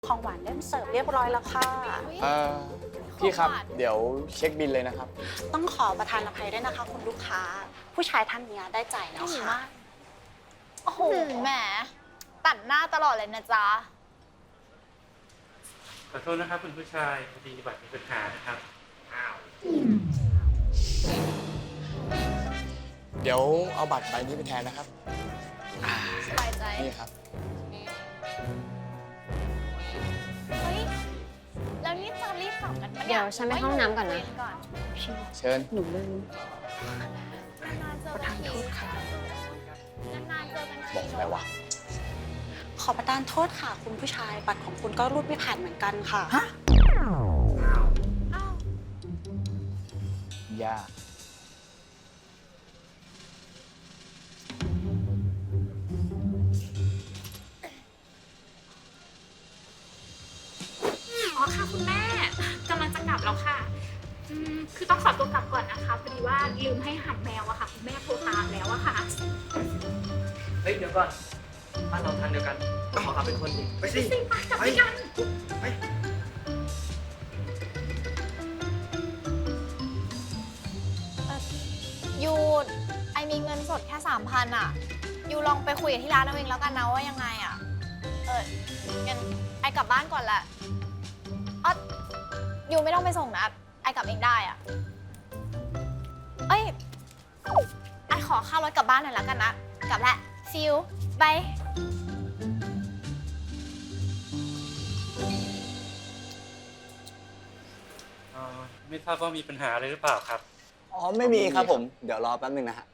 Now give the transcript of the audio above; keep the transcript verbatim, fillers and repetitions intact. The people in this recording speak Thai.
ของหวานเริ่มเสิร์ฟเรียบร้อยแล้วค่ะเอ่อพี่ครับ เดี๋ยวเช็คบิลเลยนะครับต้องขอประทานอภัยด้วยนะคะคุณลูกค้า ผู้ชายท่านนี้ได้จ่ายแล้วค่ะโอ้โหแหมตัดหน้าตลอดเลยนะจ๊ะขอโทษนะครับคุณผู้ชายพอดีบัตรมีปัญหานะครับอ้าวเดี๋ยวเอาบัตรใบนี้ไปแทนนะครับสบายใจนี่ครับเฮ้ย แล้วนี่จะรีบกลับกันปะเดี๋ยวฉันไปห้องน้ำก่อนนะเว้ก่อนเชิญหนูลืมนานๆเจอประกัทาน นทีโทษค่ะนานๆเจอกันทีบอกอะไรวะขอประทานโทษค่ะ คุณผู้ชาย บัตรของคุณก็รูดไม่ผ่านเหมือนกันค่ะอ้าวยากอ๋อค่ะคุณแม่กำลังจะกลับแล้วค่ะอืมคือต้องขอตัวกลับก่อนนะคะพอดีว่าลืมให้อาหารแมวอะค่ะคุณแม่โทรตามแล้วอะค่ะเฮ้ยเดี๋ยวก่อนบ้านเราทางเดียวกันขอขับเป็นคนดิไปสิสิไปกลับด้วยกันไปยูไอมีเงินสดแค่สามพันอ่ะ ยูลองไปคุยกับที่ร้านเอาเองแล้วกันนะว่ายังไงอ่ะ เอองั้นไอกลับบ้านก่อนแหละอ๋อยูไม่ต้องไปส่งนะไอกลับเองได้อ่ะ เอ้ยไอขอค่ารถกลับบ้านหน่อยแล้วกันนะ กลับแหละซิวบายเอ่อไม่ทราบว่ามีปัญหาอะไรหรือเปล่าครับอ๋อ ไม่มีครับผม เดี๋ยวรอแป๊บนึงนะฮะ